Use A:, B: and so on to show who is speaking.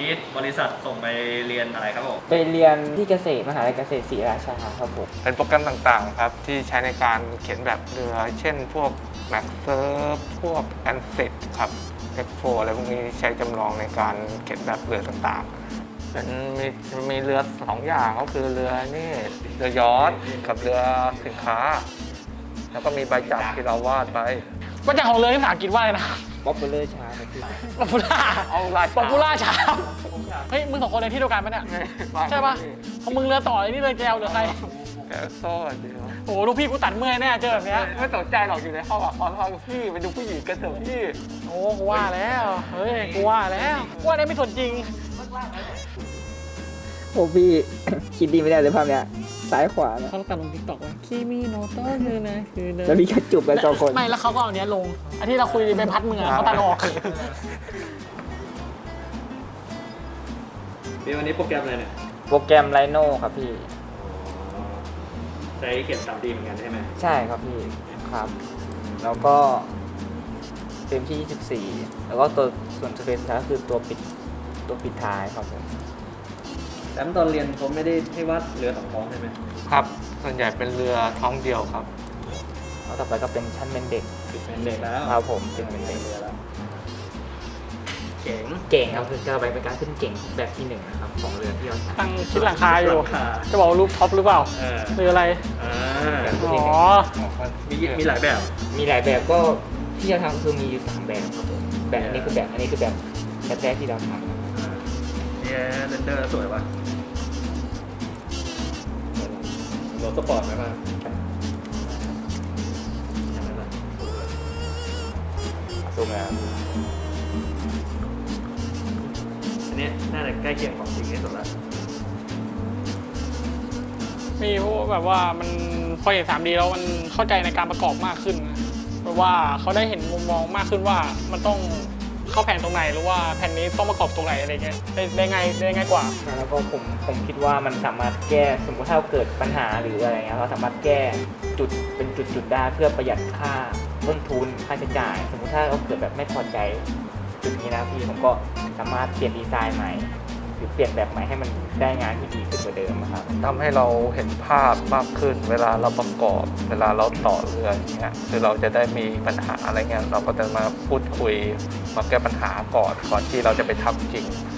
A: บริษัทส่งไปเรียนอะไรครับผม
B: ไปเรียนที่เกษตรมหาวิทยาลัยเกษตรศรีราชาครับผม
C: เป็นโปรแกรมต่างๆครับที่ใช้ในการเขียนแบบเรือ เช่นพวก MaxSurf พวก ANSYS ครับ F4 อะไรพวกนี้ใช้จำลองในการเขียนแบบเรือต่างๆเป็นมีเรือ2อย่างก็คือเรือนี่เรือยอชต์กับเรือสินค้า แล้วก็มีใบจักรที่เราวาดไป
D: ว่าจากของเรือที่ภาษาอังกฤษว่าอะไรนะ
B: ป๊อปปูล่าชาครับพี่
D: ป๊อปปูล่า
C: เอาลาย
D: ป๊อปปูล่าชาเฮ้ยมึงสองคนเรียนที่เดียวกันปะเนี่ยใช่ปะของมึงเรือต่อไอ้นี่เรือแจวหรือใคร
C: แกโซ่เดียว
D: โอ้โหลูกพี่กูตัดเมื่อยแน่เจอแบบเนี้ย
C: ไม่สนใจหรอกอยู่ในห้องอ่ะขอพี่ไปดูผู้หญิงกันเถอะพี่
D: โอ้กูว่าแล้วเฮ้ยกูว่าแล้วกูว่าได้ไม่สนจริง
B: โอ้พี่ คิดดีไม่ได้เลยภาพเนี้ยซ้ายขวานะ
D: เขาตัดลงทิกตอกว่าคีมีโนโต้คือนะคือเดิ
B: แล้วมีแค่จูบกันสองคน
D: ไม่แล้วเขาก็เอาเนี้ยลงอันที่เราคุยใบพัดมึงอะเขาตัดออก
A: พี่วันนี้โปรแกรมอะไรเนี่ย
B: โปรแกรมไลโน่ครับพี่
A: ใช้เขียน 3D เหมือนกันใช่ไหม
B: ใช่ครับพี่ครับ แล้วก็เต็มที่ 24 แล้วก็ตัวส่วนสเปซท้ายคือตัวปิดท้ายครับผม
A: แต่ตอนเรียนผมไม่ได้ให้วาดเรือสองท้องใช่ไหม
C: ครับส่วนใหญ่เป็นเรือท้องเดียวครับ
B: แล้วต่อไปก็เป็นชั้นเป็นเด็ก
A: เป็นเด็กแล้ว
B: ครับผมเป็นเด็ก
A: เรือแล้วเจ๋ง
B: เก่งครับคือการเป็นการขึ้นเก่งแบบที่หนึ่งนะครับของเรือที่เราใช้
D: ตั้งคิดหลังคาอยู่
A: หลังคา
D: จะบอกว่ารูปท็อปหรือเปล่า
A: เออ
D: หรืออะไร
A: อ่า
D: อ๋อ
A: มีหลายแบบ
B: มีหลายแบบก็ที่เราทำคือมีอยู่3แบบครับผมแบบอันนี้คือแบบอันนี้คือแบบแท้ๆที่เราทำ
A: เนี่ยเรนเดอร์สวยป่ะรถสปอร์ตไหมป่ะ
B: ซูมแล้ว
A: อันนี้น่าจะใกล้เคียงของจริงที่สุดละ
D: มีพวกแบบว่ามันพอเห็น 3D แล้วมันเข้าใจในการประกอบมากขึ้นนะแบบว่าเขาได้เห็นมุมมองมากขึ้นว่ามันต้องเข้าแผนตรงไหนหรือว่าแผ่นนี้ต้องประกอบตรงไหนอะไรเงี้ยได้ง่ายกว่า
B: แล้วก็ผมคิดว่ามันสามารถแก้สมมติถ้าเกิดปัญหาหรืออะไรเงี้ยเราสามารถแก้จุดเป็นจุดได้เพื่อประหยัดค่าต้นทุนค่าใช้จ่าย สมมติถ้าเราเกิดแบบไม่พอใจจุดนี้นะพี่ผมก็สามารถเปลี่ยนดีไซน์ใหม่หรือเปลี่ยนแบบใหม่ให้มันได้งานที่ดีขึ้นกว่าเดิมนะครับ
C: ทำให้เราเห็นภาพมากขึ้น เวลาเราประกอบ เวลาเราต่อเรืออย่างเงี้ยคือเราจะได้มีปัญหาอะไรเงี้ยเราก็จะมาพูดคุยมาแก้ปัญหาก่อนที่เราจะไปทำจริง